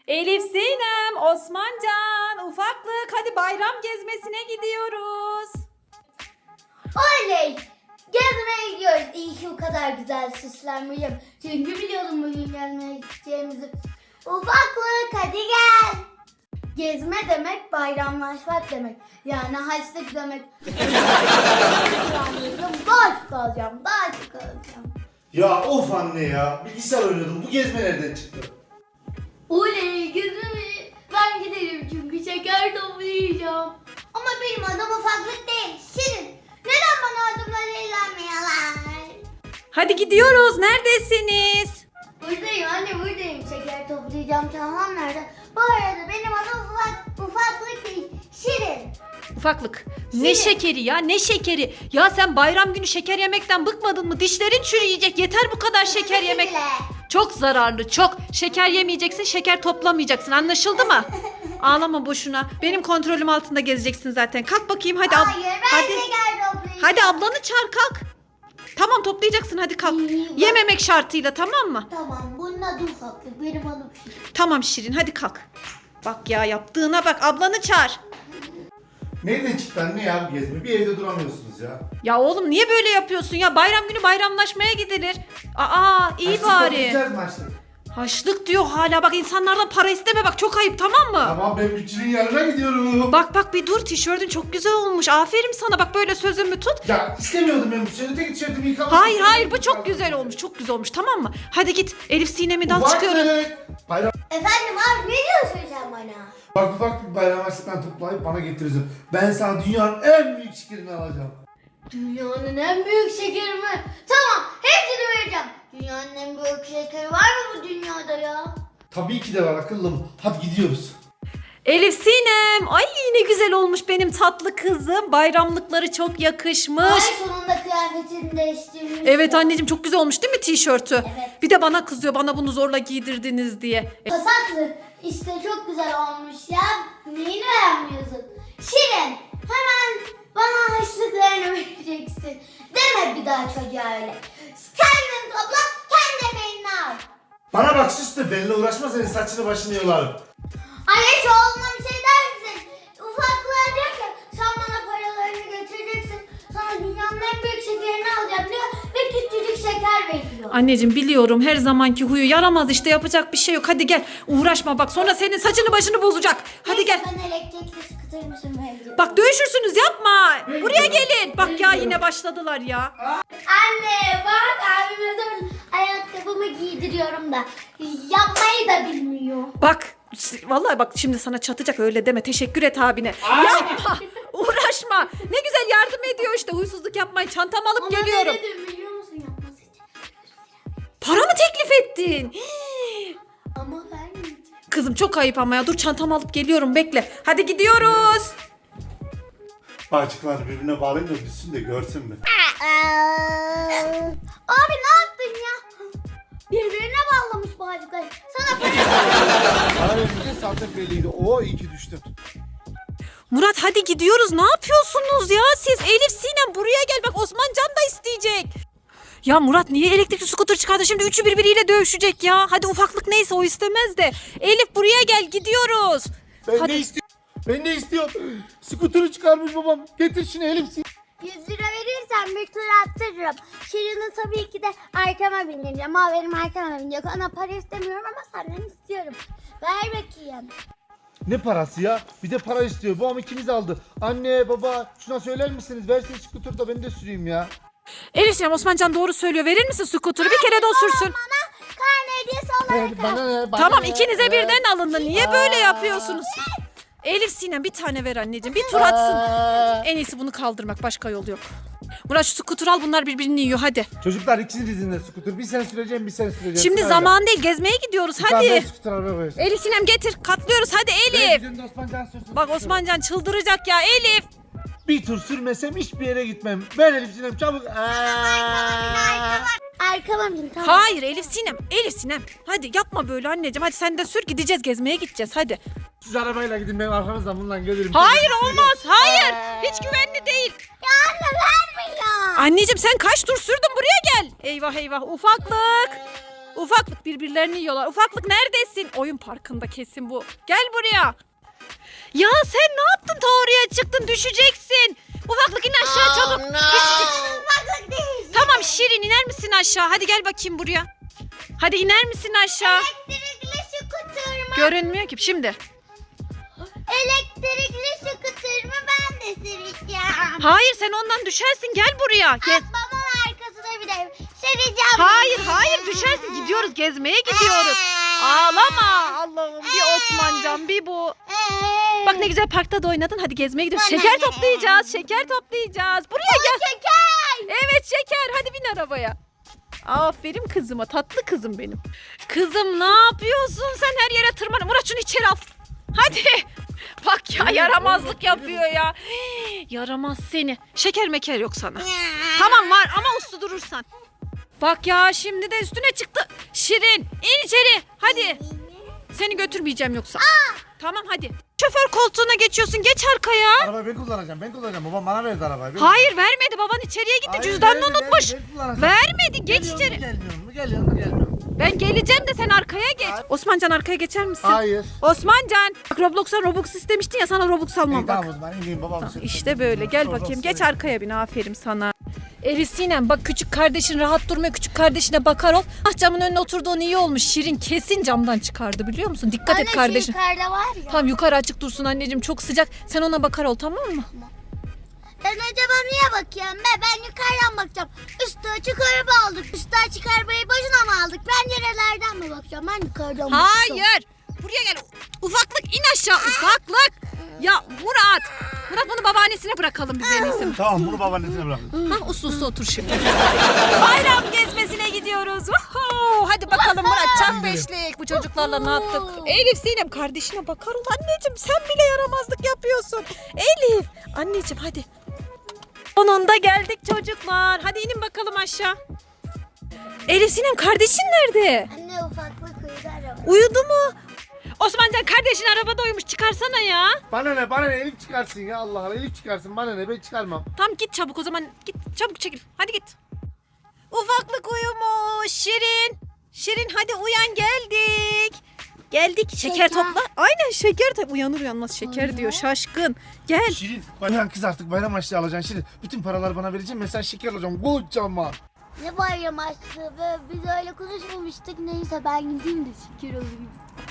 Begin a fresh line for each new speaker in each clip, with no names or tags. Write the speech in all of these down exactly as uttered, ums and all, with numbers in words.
Elif Sinem, Osmancan, ufaklık hadi bayram gezmesine gidiyoruz.
Oley! Gezmeye gidiyoruz. İyi ki o kadar güzel süslenmişim. Çünkü biliyordum bugün gezmeye gideceğimizi. Ufaklık hadi gel. Gezme demek bayramlaşmak demek. Yani haçlık demek. Daha çok alacağım, daha çok alacağım.
Ya of anne ya. Bilgisayar oynuyordum. Bu gezme nereden çıktı?
Oley gezmeye ben giderim çünkü şeker toplayacağım. Ama benim adım ufaklık değil, Şirin. Neden bana adımla eğlenmiyorlar?
Hadi gidiyoruz. Neredesiniz?
Buradayım anne buradayım. Şeker toplayacağım. Tamam nerede? Bu arada benim adım ufak, ufaklık değil, Şirin.
Ufaklık. Ne
Şirin.
şekeri ya, ne şekeri? Ya sen bayram günü şeker yemekten bıkmadın mı? Dişlerin çürüyecek. Yeter bu kadar şeker
Özür
yemek.
dile.
Çok zararlı, çok. Şeker yemeyeceksin, şeker toplamayacaksın. Anlaşıldı mı? Ağlama boşuna. Benim kontrolüm altında gezeceksin zaten. Kalk bakayım hadi. ab-
Hayır ben
hadi.
şeker toplayacağım.
Hadi ablanı çağır kalk. Tamam toplayacaksın hadi kalk.
İyi, bak.
Yememek şartıyla tamam mı?
Tamam bunun adı ufaklık. Benim adım Şirin.
Tamam Şirin hadi kalk. Bak ya yaptığına bak ablanı çağır.
Nereden çıktı anne ya bu gezme? Bir evde duramıyorsunuz ya.
Ya oğlum niye böyle yapıyorsun ya? Bayram günü bayramlaşmaya gidilir. Aa iyi
Haçlık
bari.
toplayacağız mı haçlık?
Haçlık diyor hala bak insanlardan para isteme bak çok ayıp tamam mı?
Tamam ben bütçünün yanına gidiyorum.
Bak bak bir dur tişörtün çok güzel olmuş. Aferin sana bak böyle sözümü tut.
Ya istemiyordum ben bu tişörtü. Tek tişörtümü yıkamak
Hayır
istedim.
hayır bu çok güzel olmuş. Çok güzel olmuş tamam mı? Hadi git Elif Sinem'i de al
Ufaklık.
çıkıyoruz.
Bayram.
Efendim abi ne diyorsun sen bana?
Bak ufak bir bayram harçlıktan toplayıp bana getirirsin. Ben sana dünyanın en büyük şekerini alacağım.
Dünyanın en büyük şekeri mi? Tamam hepsini vereceğim. Dünyanın en büyük şekeri var mı bu dünyada ya?
Tabii ki de var akıllım. Hadi gidiyoruz.
Elif Sinem. Ay ne güzel olmuş benim tatlı kızım. Bayramlıkları çok yakışmış.
Ay sonunda kıyafetini değiştirmiş.
Evet anneciğim çok güzel olmuş değil mi tişörtü?
Evet.
Bir de bana kızıyor bana bunu zorla giydirdiniz diye. E,
Pasaklı işte çok güzel olmuş ya. Neyini beğenmiyorsun? Şirin hemen bana harçlıklarını vereceksin. Deme bir daha çocuğa öyle. Kendin topla kendi emeğini al.
Bana bak sus da benimle uğraşma senin saçını başını yolarım.
Anne şu oğluna bir şey der misin? Ufaklığa diyor ki sen bana paralarını getireceksin. Sana dünyanın en büyük şekerini alacağım diyor. Ve küçücük şeker veriyor.
Anneciğim biliyorum her zamanki huyu yaramaz işte yapacak bir şey yok. Hadi gel uğraşma bak sonra senin saçını başını bozacak. Hadi gel.
Ben elektrikli skuter mısın vereceğim.
Bak dövüşürsünüz yapma.
Ben
Buraya
gidiyorum.
gelin. Bak
Ben
ya
gidiyorum.
yine başladılar ya.
Anne bak abime zaman ayakkabımı giydiriyorum da yapmayı da bilmiyor.
Bak vallahi bak şimdi sana çatacak öyle deme. Teşekkür et abine. Yapma. Uğraşma. Ne güzel yardım ediyor işte huysuzluk yapmayın. Çantamı alıp
Ona
geliyorum.
ne dedim biliyor musun yapması için?
Para mı teklif ettin? Hii.
Ama vermeyeceğim.
Kızım çok ayıp ama ya. Dur çantamı alıp geliyorum bekle. Hadi gidiyoruz.
Bağcıklar birbirine bağlayın da düşsün de görsün mü?
Abi ne yaptın ya? Birbirine bağlamış bağcıkları. Sana para
Bana verince zaten belliydi. Oo iyi ki düştün.
Murat hadi gidiyoruz. Ne yapıyorsunuz ya siz? Elif Sinem buraya gel. Bak Osmancan da isteyecek. Ya Murat niye elektrikli scooter çıkardı? Şimdi üçü birbiriyle dövüşecek ya. Hadi ufaklık neyse o istemez de. Elif buraya gel gidiyoruz.
Ben
Hadi.
de istiyorum. Ben de istiyorum. Skuturu çıkarmış babam. Getir şunu Elif.
yüz lira verirsen bir tur attırırım. Şirin'i tabii ki de arkama bindireceğim. Ama benim arkama binecek. Ona para istemiyorum ama senden istiyorum. Ver bakayım.
Ne parası ya? Bir de para istiyor. Babam ikimiz aldı. Anne baba şuna söyler misiniz? Versin skuturu da ben de süreyim ya.
Elif Sinem Osmancan doğru söylüyor. Verir misin scooter'ı? Bir kere de o sürsün.
Bana karne hediyesi olarak
Ver, bana ne? Bana
Tamam
ne?
ikinize
Ver.
birden alındı. Niye böyle yapıyorsunuz? Elif Sinem bir tane ver anneciğim. Bir tur atsın.
Aa.
En iyisi bunu kaldırmak. Başka yol yok. Murat şu scooter al bunlar birbirini yiyor hadi.
Çocuklar ikisinin de skuter. Bir sen süreceğim bir sen süreceğim.
Şimdi
Sırayla.
zaman değil gezmeye gidiyoruz
Bir tane ben
hadi.
skuter arabaya koyacağım.
Elif Sinem getir katlıyoruz hadi
Ben
Elif.
bizim de Osman Can sürsün.
Bak Osmancan çıldıracak ya Elif.
Bir tur sürmesem hiçbir yere gitmem. Ben Elif Sinem çabuk. Aa.
Arkama bin tamam.
Hayır Elif Sinem. Elif Sinem. Hadi yapma böyle anneciğim. Hadi sen de sür gideceğiz gezmeye gideceğiz hadi.
Siz arabayla gidin ben arkanızdan bununla gelirim.
Hayır olmaz. Hayır. Hiç güvenli değil.
Ya anne vermiyor.
Anneciğim sen kaç tur sürdün buraya gel. Eyvah eyvah ufaklık. Ufaklık birbirlerini yiyorlar. Ufaklık neredesin? Oyun parkında kesin bu. Gel buraya. Ya sen ne yaptın ta oraya çıktın düşeceksin. Ufaklık in aşağı çabuk.
Ufaklık değil.
Tamam Şirin iner misin aşağı? Hadi gel bakayım buraya. Hadi iner misin aşağı?
Elektrikli skuter mı?
Görünmüyor ki şimdi.
Elektrikli skuter mı ben de süreceğim.
Hayır sen ondan düşersin gel buraya. Gez.
Babamın arkasına bir de süreceğim.
Hayır hayır düşersin gidiyoruz gezmeye gidiyoruz. Ağlama Allah'ım bir Osmancan bir bu. Bak ne güzel parkta da oynadın hadi gezmeye gidiyoruz. Şeker toplayacağız şeker toplayacağız. Buraya gel.
Şeker.
Evet şeker hadi bin arabaya. Aferin kızıma tatlı kızım benim. Kızım ne yapıyorsun sen her yere tırman. Murat şunu içeri al. Hadi. Bak ya yaramazlık yapıyor ya. Hii, yaramaz seni. Şeker meker yok sana. Tamam var ama uslu durursan. Bak ya şimdi de üstüne çıktı. Şirin in içeri hadi. Seni götürmeyeceğim yoksa. Tamam hadi. Şoför koltuğuna geçiyorsun geç arkaya.
Arabayı ben kullanacağım ben kullanacağım. Babam bana verdi arabayı. Ben
Hayır vermedi baban içeriye gitti
Hayır,
cüzdanını
vermedi,
unutmuş.
vermedi, ben kullanacağım.
Vermedi geç
Geliyor mu,
içeri.
Gelmiyor mu geliyor mu gelmiyor mu?
Ben geleceğim de sen arkaya geç.
Hayır.
Osmancan arkaya geçer misin?
Hayır.
Osmancan. Bak Roblox'a Robux istemiştin ya sana Robux almam
İyi,
bak.
tamam o zaman ineyim babam.
İşte böyle gel bakayım geç arkaya bin aferin sana. Elif Sinem bak küçük kardeşin rahat durmuyor küçük kardeşine bakar ol. Ah camın önüne oturduğun iyi olmuş Şirin kesin camdan çıkardı biliyor musun? Dikkat et kardeşin.
yukarıda var ya.
Tamam yukarı açık dursun anneciğim çok sıcak sen ona bakar ol tamam mı?
Ben acaba niye bakıyorum be? Ben yukarıdan bakacağım. Üstü açık araba aldık. Üstü açık arabayı boşuna mı aldık? Pencerelerden mi bakacağım? Ben yukarıdan bakacağım.
Hayır buraya gel ufaklık in aşağı ufaklık. Ya Murat Murat bunu babaannesine bırakalım biz en iyisi.
Tamam bunu babaannesine bırakın.
Ha uslu uslu otur şimdi. Bayram gezmesine gidiyoruz. Woohoo! Hadi bakalım Murat çak beşlik. Bu çocuklarla ne yaptık? Elif Sinem kardeşine bakar ol anneciğim. Sen bile yaramazlık yapıyorsun. Elif anneciğim hadi. Sonunda geldik çocuklar. Hadi inin bakalım aşağı. Elif Sinem kardeşin nerede?
Anne ufaklık uyudu araba.
Uyudu mu? Osmancan kardeşin arabada uyumuş çıkarsana ya.
Bana ne bana ne Elif çıkarsın ya Allah Allah Elif çıkarsın bana ne ben çıkarmam.
Tamam git çabuk o zaman git çabuk çekil hadi git. Ufaklık uyumuş Şirin. Şirin hadi uyan geldik. Geldik şeker,
Şeker.
topla. Aynen şeker topla. Uyanır uyanmaz şeker
Anne.
diyor şaşkın. Gel.
Şirin bayram kız artık bayram açlığı alacaksın Şirin. Bütün paraları bana vereceksin ben sen şeker alacağım kocaman.
Ne bayram açtı be? Biz öyle konuşmamıştık. Neyse ben gideyim de şeker alayım.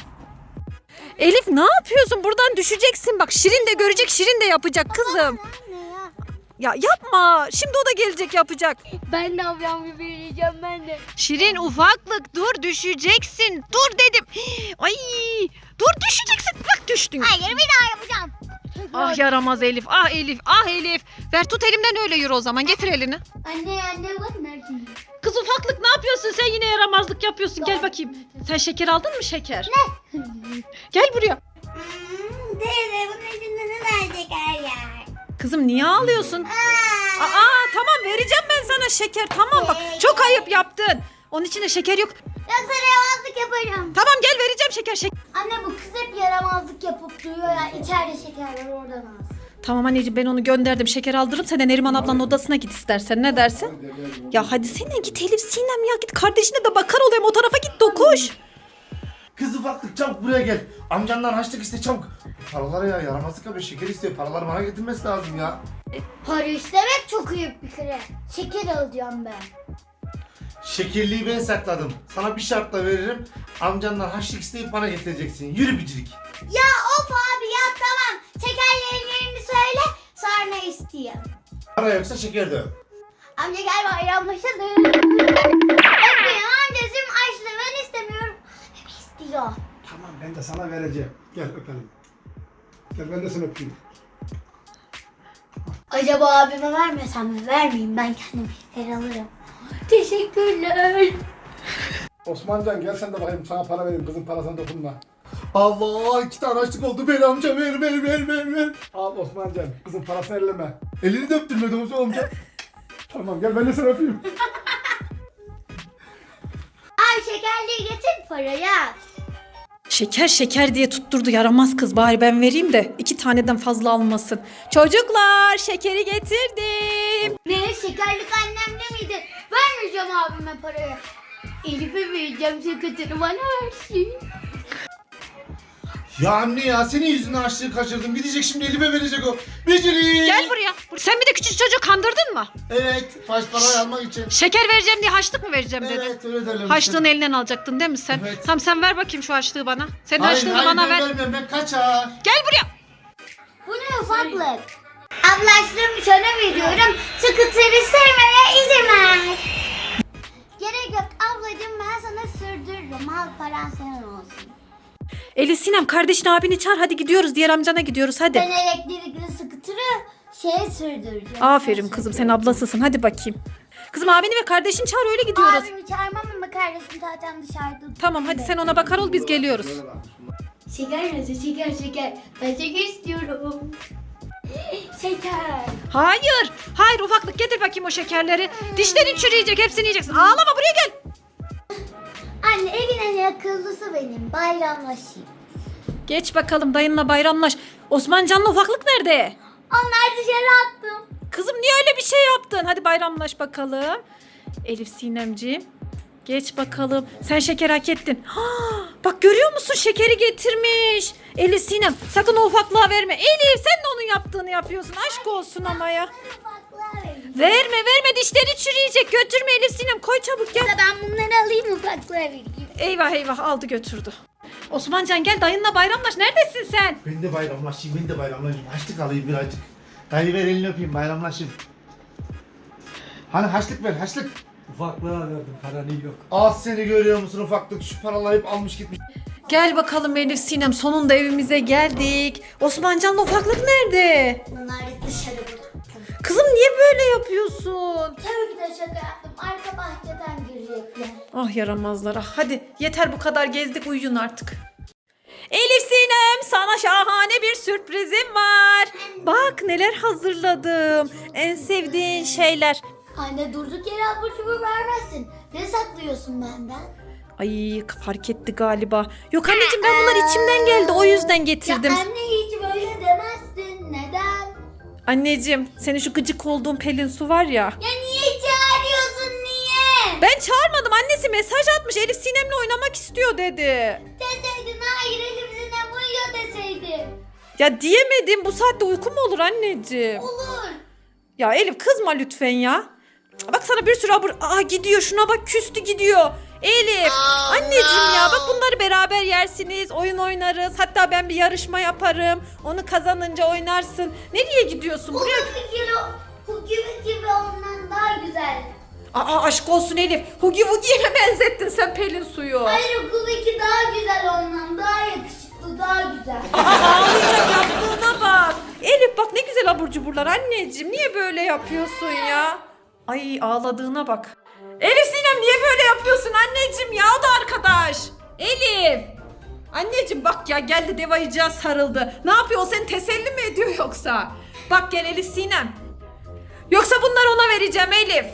Elif ne yapıyorsun buradan düşeceksin bak Şirin de görecek Şirin de yapacak kızım.
Anne ya.
Ya yapma şimdi o da gelecek yapacak.
Ben de ablam gibi vereceğim ben de.
Şirin ufaklık dur düşeceksin dur dedim. Ay dur düşeceksin bak düştün.
Hayır bir daha yapacağım.
Ah yaramaz Elif ah Elif ah Elif. Ver tut elimden öyle yürü o zaman getir elini.
Anne anne bak nerede?
Kız ufaklık ne yapıyorsun sen yine yaramazlık yapıyorsun gel bakayım. Sen şeker aldın mı şeker?
Ne?
Gel buraya.
Hmm, teyze bunun içinde ne var şeker ya?
Kızım niye ağlıyorsun?
Aa.
Aa tamam vereceğim ben sana şeker tamam bak çok ayıp yaptın. Onun içinde şeker yok.
Yoksa yaramazlık yaparım.
Tamam gel vereceğim şeker şeker.
Anne bu kız hep yaramazlık yapıp duruyor ya. İçeride şeker var oradan al.
Tamam anneciğim ben onu gönderdim şeker aldırırım sen de Neriman ablanın odasına git istersen ne dersin? Ya hadi sen git Elif Sinem ya git kardeşine de bakar olayım o tarafa git dokuş.
Kız ufaklık çabuk buraya gel. Amcandan harçlık iste çabuk. Paraları ya yaramazlık yapıyor şeker istiyor. Paraları bana getirmesi lazım ya.
Para istemek çok ayıp bir kere. Şeker alacağım ben.
Şekerliği ben sakladım. Sana bir şartla veririm. Amcandan harçlık isteyip bana getireceksin. Yürü bicirik.
Ya of abi ya tamam. Şekerlerin yerini söyle sonra isteyeyim.
Para yoksa şeker de yok.
Amca gel bayramlaşalım. Öpmeyin amcacığım açlığı ben istemiyorum. Hep istiyor.
Tamam ben de sana vereceğim. Gel öpelim. Gel ben de seni öpeyim.
Acaba abime vermesem mi? Vermeyeyim ben kendim şeker alırım. Teşekkürler.
Osmancan gel sen de bakayım sana para vereyim. Kızın parasına dokunma.
Allah iki tane harçlık oldu. Ver amca ver ver ver ver ver.
Al Osmancan kızın parasını elleme.
Elini de öptürmedi Osman amca.
Tamam gel ben de seni öpeyim.
Ay şekerliği getir parayı.
Şeker şeker diye tutturdu yaramaz kız bari ben vereyim de iki taneden fazla almasın. Çocuklar şekeri getirdim.
Ne şekerlik annemde miydi? Vermeyeceğim abime parayı. Elif'e vereceğim sakatını bana versin.
Ya anne ya senin yüzünden açlığı kaçırdım. Gidecek şimdi Elif'e verecek o. Beceri.
Gel buraya. Sen bir de küçük çocuğu kandırdın mı?
Evet. Baş parayı almak için.
Şeker vereceğim diye haçlık mı vereceğim dedin?
Evet öyle derler.
Haçlığını elinden alacaktın değil mi sen?
Evet.
Tamam sen ver bakayım şu haçlığı bana. Senin
Hayır
haçlığını
hayır
bana
ben
ver.
vermiyorum ben kaçar.
Gel buraya.
Bu ne ufaklık? Ablaştığımı sana veriyorum. Skuter'i sevmeye izin ver. Gerek yok ablacığım ben sana sürdürürüm. Al paran senin olsun.
Elif Sinem kardeşin abini çağır hadi gidiyoruz. Diğer amcana gidiyoruz hadi.
Ben elektrikli skuter'ı şeye sürdüreceğim.
Aferin kızım sen ablasısın hadi bakayım. Kızım abini ve kardeşini çağır öyle gidiyoruz.
Abimi çağırmam ama kardeşim zaten dışarıda.
Tamam hadi sen ona bakar ol biz geliyoruz.
Şeker nasıl? Şeker şeker. Ben şeker istiyorum. Şeker.
Hayır. Hayır ufaklık getir bakayım o şekerleri. Dişlerin çürüyecek hepsini yiyeceksin. Ağlama buraya gel.
Anne evin en akıllısı benim. Bayramlaşayım.
Geç bakalım dayınla bayramlaş. Osmancan'la ufaklık nerede?
Onlar dışarı attım.
Kızım niye öyle bir şey yaptın? Hadi bayramlaş bakalım. Elif Sinemciğim. Geç bakalım. Sen şeker hak ettin. Ha, bak görüyor musun şekeri getirmiş. Elif Sinem sakın o ufaklığa verme. Elif sen de onun yaptığını yapıyorsun. Aşk olsun ama ya.
Ufaklığa vereyim.
Verme verme dişleri çürüyecek. Götürme Elif Sinem koy çabuk gel.
Ben bunları alayım ufaklığa vereyim.
Eyvah eyvah aldı götürdü. Osmancan gel dayınla bayramlaş. Neredesin sen?
Ben de bayramlaşayım ben de bayramlaşayım. Haçlık alayım birazcık. Dayı ver elini öpeyim bayramlaşayım. Hani haçlık ver haçlık.
Ufaklığa verdim paranı yok.
Az seni görüyor musun ufaklık şu paraları hep almış gitmiş.
Gel bakalım Elif Sinem sonunda evimize geldik. Osmancan'la ufaklık nerede?
Bunları dışarı bıraktım.
Kızım niye böyle yapıyorsun?
Tabii ki de şaka yaptım. Arka bahçeden girecekler.
Ah yaramazlara. Hadi yeter bu kadar gezdik uyuyun artık. Elif Sinem sana şahane bir sürprizim var. Bak neler hazırladım. En sevdiğin şeyler.
Anne durduk yere abur cubur vermezsin. Ne saklıyorsun benden?
Ay fark etti galiba. Yok anneciğim ben bunlar içimden geldi o yüzden getirdim.
Ya anne hiç böyle demezdin. Neden?
Anneciğim senin şu gıcık olduğun Pelin Su var ya.
Ya niye çağırıyorsun niye?
Ben çağırmadım annesi mesaj atmış Elif Sinem'le oynamak istiyor dedi.
Deseydin hayır elimizine uyuyor deseydin.
Ya diyemedim bu saatte uyku mu olur anneciğim?
Olur.
Ya Elif kızma lütfen ya. Bak sana bir sürü abur... Aa gidiyor şuna bak küstü gidiyor. Elif anneciğim ya bak bunları beraber yersiniz oyun oynarız. Hatta ben bir yarışma yaparım. Onu kazanınca oynarsın. Nereye gidiyorsun buraya?
Bu fikir o. Bu gibi gibi ondan daha güzel.
Aa aşk olsun Elif. Hugi Wugi'ye benzettin sen Pelin Su'yu.
Hayır okuldaki daha güzel ondan. Daha yakışıklı, daha güzel.
Aa ağlayacak yaptığına bak. Elif bak ne güzel abur cuburlar anneciğim. Niye böyle yapıyorsun ya? Ay ağladığına bak. Elif Sinem niye böyle yapıyorsun anneciğim ya o da arkadaş. Elif. Anneciğim bak ya geldi dev ayıcığa sarıldı. Ne yapıyor o seni teselli mi ediyor yoksa? Bak gel Elif Sinem. Yoksa bunları ona vereceğim Elif.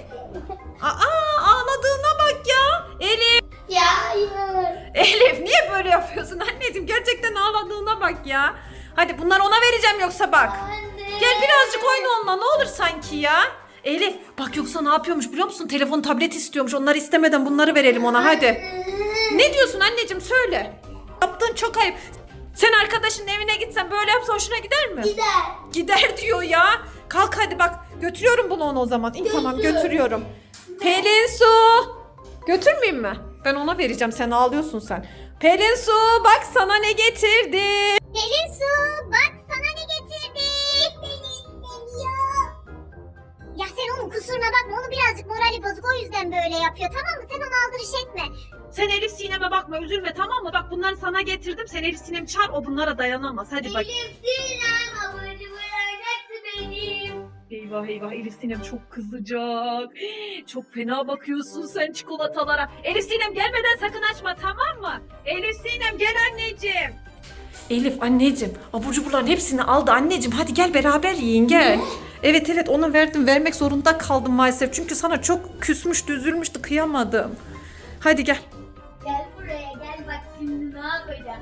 Aa ağladığına bak ya. Elif.
Ya hayır.
Elif niye böyle yapıyorsun anneciğim? Gerçekten ağladığına bak ya. Hadi bunları ona vereceğim yoksa bak.
Anne.
Gel birazcık oyna onunla ne olur sanki ya. Elif bak yoksa ne yapıyormuş biliyor musun? Telefon tablet istiyormuş. Onları istemeden bunları verelim ona hadi. Ne diyorsun anneciğim söyle. Yaptığın çok ayıp. Sen arkadaşının evine gitsen böyle yapsa hoşuna gider mi?
Gider.
Gider diyor ya. Kalk hadi bak. Götürüyorum bunu ona o zaman. İyi tamam
Götür.
götürüyorum. Pelin Su. Götürmeyeyim mi? Ben ona vereceğim. Sen ağlıyorsun sen. Pelin Su bak sana ne getirdim.
Pelin Su bak sana ne getirdim. Pelin seviyor. Ya sen onun kusuruna bakma. Onu birazcık morali bozuk o yüzden böyle yapıyor tamam mı? Sen onu aldırış etme.
Sen Elif Sinem'e bakma üzülme tamam mı? Bak bunları sana getirdim. Sen Elif Sinem çağır o bunlara dayanamaz. Hadi bak.
Elif Sinem abur cubur hepsi benim.
Eyvah eyvah Elif Sinem çok kızacak. Çok fena bakıyorsun sen çikolatalara. Elif Sinem gelmeden sakın açma tamam mı? Elif Sinem gel anneciğim. Elif anneciğim abur cuburların hepsini aldı anneciğim. Hadi gel beraber yiyin gel. Evet evet ona verdim vermek zorunda kaldım maalesef. Çünkü sana çok küsmüştü üzülmüştü kıyamadım. Hadi gel.
Gel buraya gel bak şimdi ne yapacağım.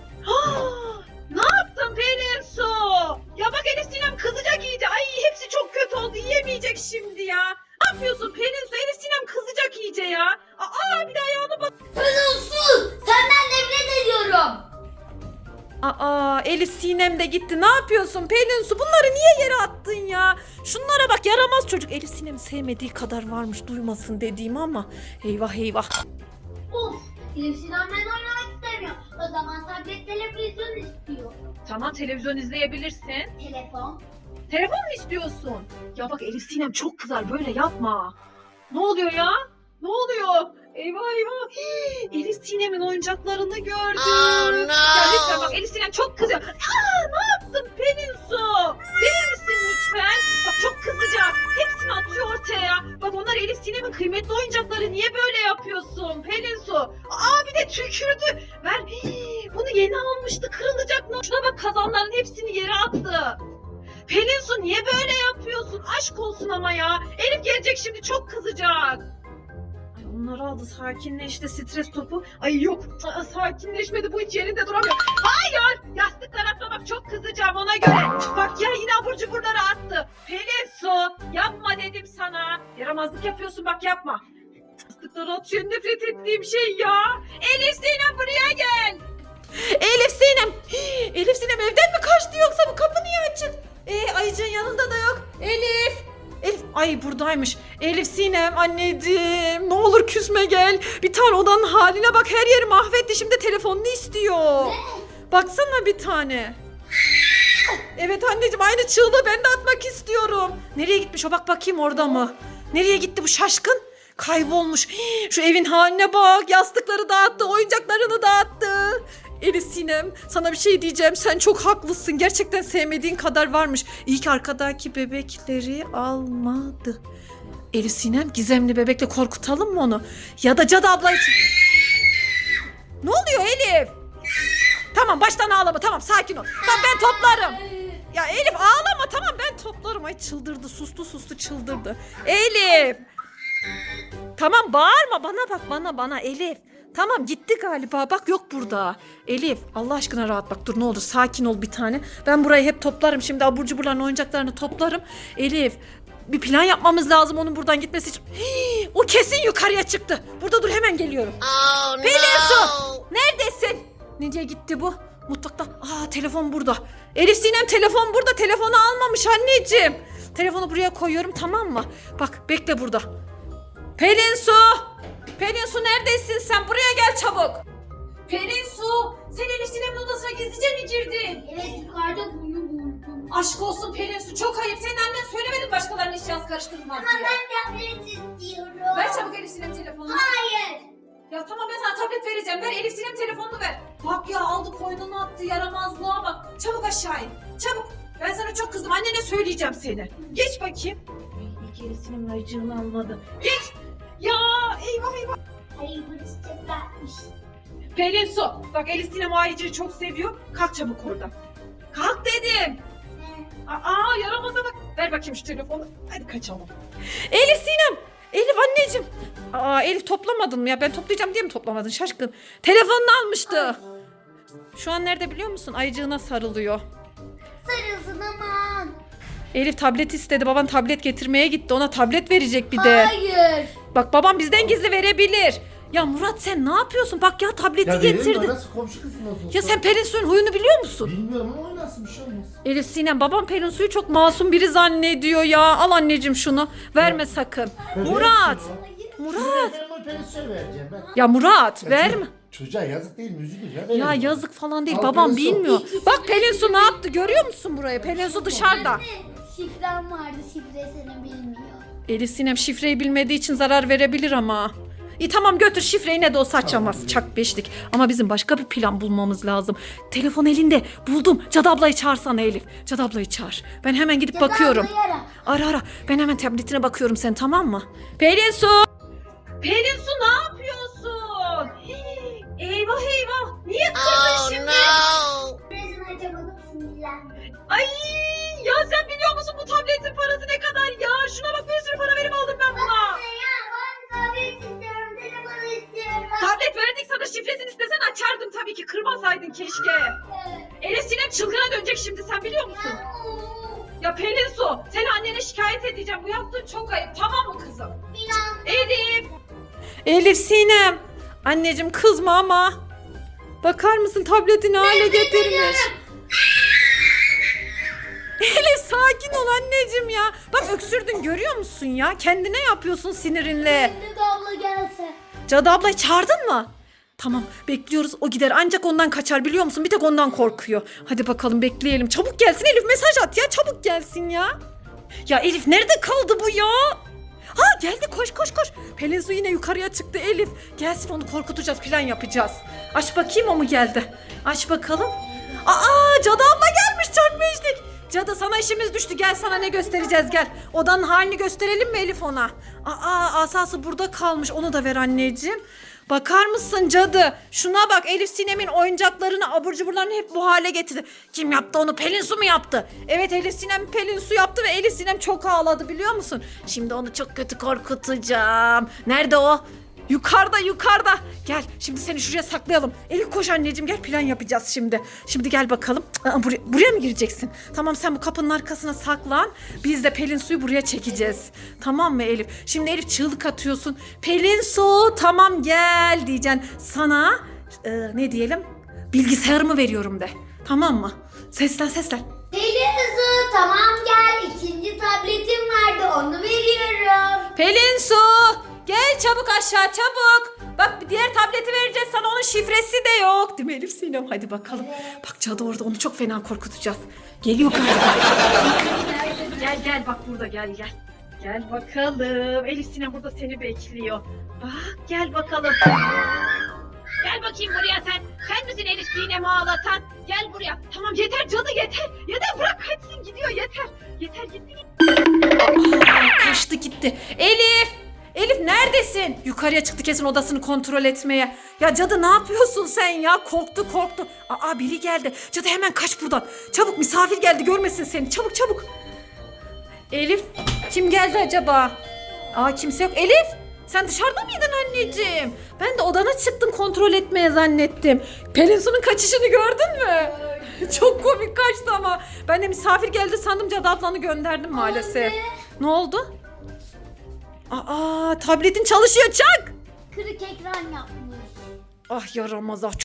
Ne yaptın Pelin Su? Ya bak Elif Sinem kızacak iyice. Ay hepsi çok kötü oldu yiyemeyecek şimdi ya. Ne yapıyorsun Pelin Su? Elif Sinem kızacak iyice ya. Aa bir daha Aa, Elif Sinem de gitti. Ne yapıyorsun Pelin Su? Bunları niye yere attın ya? Şunlara bak, yaramaz çocuk. Elif Sinem'i sevmediği kadar varmış, duymasın dediğim ama. Eyvah eyvah.
Of, Elif Sinem ben oynamak istemiyor. O zaman tablet televizyon istiyor.
Tamam, televizyon izleyebilirsin.
Telefon.
Telefon mu istiyorsun? Ya bak, Elif Sinem çok kızar, böyle yapma. Ne oluyor ya? Ne oluyor? Eyvah eyvah. Hii, Elif Sinem'in oyuncaklarını gördüm.
Oh, no.
Ya lütfen bak, Elif Sinem çok kızıyor. Aa, ne yaptın Pelin Su? Verir misin lütfen? Bak çok kızacak. Hepsini atıyor ortaya. Bak onlar Elif Sinem'in kıymetli oyuncakları. Niye böyle yapıyorsun Pelin Su? Aa, bir de tükürdü. Ver. Hii, bunu yeni almıştı, kırılacak. Şuna bak, kazanların hepsini yere attı. Pelin Su niye böyle yapıyorsun? Aşk olsun ama ya. Elif gelecek şimdi, çok kızacak. Ay onları aldı, sakinleşti, stres topu. Ay yok, aa, sakinleşmedi, bu hiç yerinde duramıyor. Hayır, yastıklar atma bak, çok kızacağım ona göre. Bak ya, yine abur cuburları attı. Pelin Su yapma dedim sana. Yaramazlık yapıyorsun bak, yapma. Yastıkları atıyor, nefret ettiğim şey ya. Elif Sinem buraya gel. Elif Sinem. Hii, Elif Sinem evden mi kaçtı yoksa bu kapı niye açık? Ee, Ayıcı'nın yanında da yok. Elif. Elif. Ay buradaymış. Elif Sinem anneciğim. Ne olur küsme gel. Bir tane odanın haline bak. Her yeri mahvetti. Şimdi telefonunu istiyor.
Ne?
Baksana bir tane. Evet anneciğim, aynı çığlığı ben de atmak istiyorum. Nereye gitmiş o, bak bakayım orada mı? Nereye gitti bu şaşkın? Kaybolmuş. Hii, şu evin haline bak. Yastıkları dağıttı. Oyuncaklarını dağıttı. Elif Sinem, sana bir şey diyeceğim. Sen çok haklısın. Gerçekten sevmediğin kadar varmış. İyi ki arkadaki bebekleri almadı. Elif Sinem, gizemli bebekle korkutalım mı onu? Ya da Cadı abla için. Ne oluyor Elif? Tamam, baştan ağlama. Tamam, sakin ol. Tamam, ben toplarım. Ya Elif ağlama, tamam ben toplarım. Ay çıldırdı, sustu sustu çıldırdı. Elif. Tamam bağırma, bana bak, bana bana Elif. Tamam, gitti galiba, bak yok burada. Elif Allah aşkına rahat bak, dur ne olur sakin ol bir tane. Ben burayı hep toplarım şimdi, abur cuburların oyuncaklarını toplarım. Elif, bir plan yapmamız lazım onun buradan gitmesi için. Hii, o kesin yukarıya çıktı. Burada dur, hemen geliyorum.
Oh,
Pelin Su,
no.
neredesin? Nereye gitti bu? Mutfakta. Aa, telefon burada. Elif Sinem, telefon burada. Telefonu almamış anneciğim. Telefonu buraya koyuyorum, tamam mı? Bak bekle burada. Pelin Su. Pelin Su neredesin sen? Buraya gel çabuk. Pelin Su, sen Elif Sinem'in odasına gizlice mi girdin?
Evet, yukarıda bunu buldum.
Aşk olsun Pelin Su, çok ayıp. Senin annen söylemedi başkalarının eşyası karıştırılmaz
Ama
diye.
ben tablet istiyorum.
Ver çabuk Elif Sinem telefonunu.
Hayır.
Ya tamam, ben sana tablet vereceğim. Ver Elif Sinem telefonunu ver. Bak ya, aldı koynunu attı, yaramazlığa bak. Çabuk aşağı in. Çabuk. Ben sana çok kızdım. Annene söyleyeceğim seni. Geç bakayım. Ay, ilk Elif Sinem'in ayıcığını almadı. Geç. Ya eyvah eyvah.
Hayır, bu isteklermiş.
Pelin Su. Bak Elif Sinem o ayıcığı çok seviyor. Kalk çabuk oradan. Kalk dedim. Aa, yaramaza bak. Ver bakayım şu telefonu. Hadi kaçalım. Elif Sinem. Elif anneciğim. Aa, Elif toplamadın mı ya? Ben toplayacağım diye mi toplamadın şaşkın? Telefonunu almıştı. Şu an nerede biliyor musun? Ayıcığına sarılıyor.
Sarılsın aman.
Elif tablet istedi. Baban tablet getirmeye gitti. Ona tablet verecek bir de.
Hayır.
Bak babam bizden gizli verebilir. Ya Murat sen ne yapıyorsun? Bak ya tableti
Ya verelim
getirdi.
mi? Nasıl komşu kızın olsun?
Ya sen Pelin Su'nun huyunu biliyor musun?
Bilmiyorum ama oynasın, bir şey olmaz.
Elif Sinem, babam Pelin Su'yu çok masum biri zannediyor ya. Al anneciğim şunu. Verme sakın.
Ben
Murat.
vereyim
Murat.
Ben o Pelinsu'ya vereceğim ben.
Ya Murat
Ya
verme.
çocuk- Çocuğa yazık değil mi? Üzülür ya.
Ya
verelim.
yazık falan değil.
Al
Babam
Pelin Su.
bilmiyor. Bak Pelin Su ne yaptı görüyor musun burayı? Pelin Su dışarıda.
Anne, şifrem vardı, şifresini bilmiyor.
Elif Sinem şifreyi bilmediği için zarar verebilir ama. İyi tamam, götür şifreyi, ne de olsa açamaz. Çak beşlik. Ama bizim başka bir plan bulmamız lazım. Telefon elinde. Buldum. Cadı ablayı çağırsana Elif. Cadı ablayı çağır. Ben hemen gidip
Cadı
bakıyorum.
ablayı ara.
Ara ara. Ben hemen tabletine bakıyorum, sen tamam mı? Pelin Su. Pelin Su ne yapıyorsun? Hii, eyvah eyvah. Niye kırdın
Oh,
şimdi?
no.
Şifresini açamadım, sinirlendim.
Ay ya, sen biliyor musun bu tabletin parası ne kadar ya? Şuna bak, bir sürü para verip aldım ben buna.
Anne ya, ben tablet istiyorum, telefonu istiyorum.
Tablet verdik sana, şifresini istesen açardım tabii ki, kırmasaydın keşke.
Evet.
Elif Sinem çılgına dönecek şimdi, sen biliyor musun? Ya Pelin Su, seni annene şikayet edeceğim. Bu yaptığın çok ayıp, tamam mı kızım?
İnan.
Elif. Elif Sinem. Anneciğim kızma ama. Bakar mısın tabletini hale getirmiş. Elif sakin ol anneciğim ya. Bak öksürdün görüyor musun ya? Kendine yapıyorsun sinirinle.
Şimdi de abla gelse.
Cadı ablayı çağırdın mı? Tamam bekliyoruz o gider ancak ondan kaçar biliyor musun? Bir tek ondan korkuyor. Hadi bakalım bekleyelim. Çabuk gelsin Elif mesaj at ya çabuk gelsin ya. Ya Elif nerede kaldı bu ya? Ha geldi koş koş koş. Pelin Su yine yukarıya çıktı Elif. Gelsin onu korkutacağız plan yapacağız. Aç bakayım o mu geldi? Aç bakalım. Aa Cadı abla gelmiş çok beşlik. Cadı sana işimiz düştü gel sana ne göstereceğiz gel. Odanın halini gösterelim mi Elif ona? Aa asası burada kalmış onu da ver anneciğim. Bakar mısın cadı? Şuna bak Elif Sinem'in oyuncaklarını abur cuburlarını hep bu hale getirdi. Kim yaptı onu? Pelin Su mu yaptı? Evet Elif Sinem Pelin Su yaptı ve Elif Sinem çok ağladı biliyor musun? Şimdi onu çok kötü korkutacağım. Nerede o? Yukarıda yukarıda. Gel şimdi seni şuraya saklayalım. Elif koş anneciğim gel plan yapacağız şimdi. Şimdi gel bakalım. Aa, buraya, buraya mı gireceksin? Tamam sen bu kapının arkasına saklan. Biz de Pelin Su'yu buraya çekeceğiz. Tamam mı Elif? Şimdi Elif çığlık atıyorsun. Pelin Su tamam gel diyeceksin. Sana e, ne diyelim? Bilgisayarımı veriyorum de. Tamam mı? Seslen seslen.
Pelin Su tamam gel. İkinci tabletim vardı onu veriyorum.
Pelin Su gel çabuk aşağı çabuk. Bak diğer tableti vereceğiz sana onun şifresi de yok. Değil mi Elif Sinem? Hadi bakalım.
Evet.
Bak cadı orada onu çok fena korkutacağız. Geliyor galiba. Gel gel bak burada gel gel. Gel bakalım. Elif Sinem burada seni bekliyor. Bak gel bakalım. Gel bakayım buraya sen. Sen misin Elif Sinem'i ağlatan? Gel buraya. Tamam yeter cadı yeter. Yeter bırak kaçsın gidiyor yeter. Yeter gitti gitti. Aa, kaçtı gitti. Elif. Elif neredesin? Yukarıya çıktı kesin odasını kontrol etmeye. Ya cadı ne yapıyorsun sen ya? Korktu korktu. Aa biri geldi. Cadı hemen kaç buradan. Çabuk misafir geldi görmesin seni. Çabuk çabuk. Elif kim geldi acaba? Aa kimse yok. Elif sen dışarıda mıydın anneciğim? Ben de odana çıktım kontrol etmeye zannettim. Pelin Su'nun kaçışını gördün mü? Çok komik kaçtı ama. Ben de misafir geldi sandım Cadı ablanı gönderdim maalesef.
Anne.
Ne oldu? Aa tabletin çalışıyor çak.
Kırık ekran yapmış.
Ah yaramaz ah.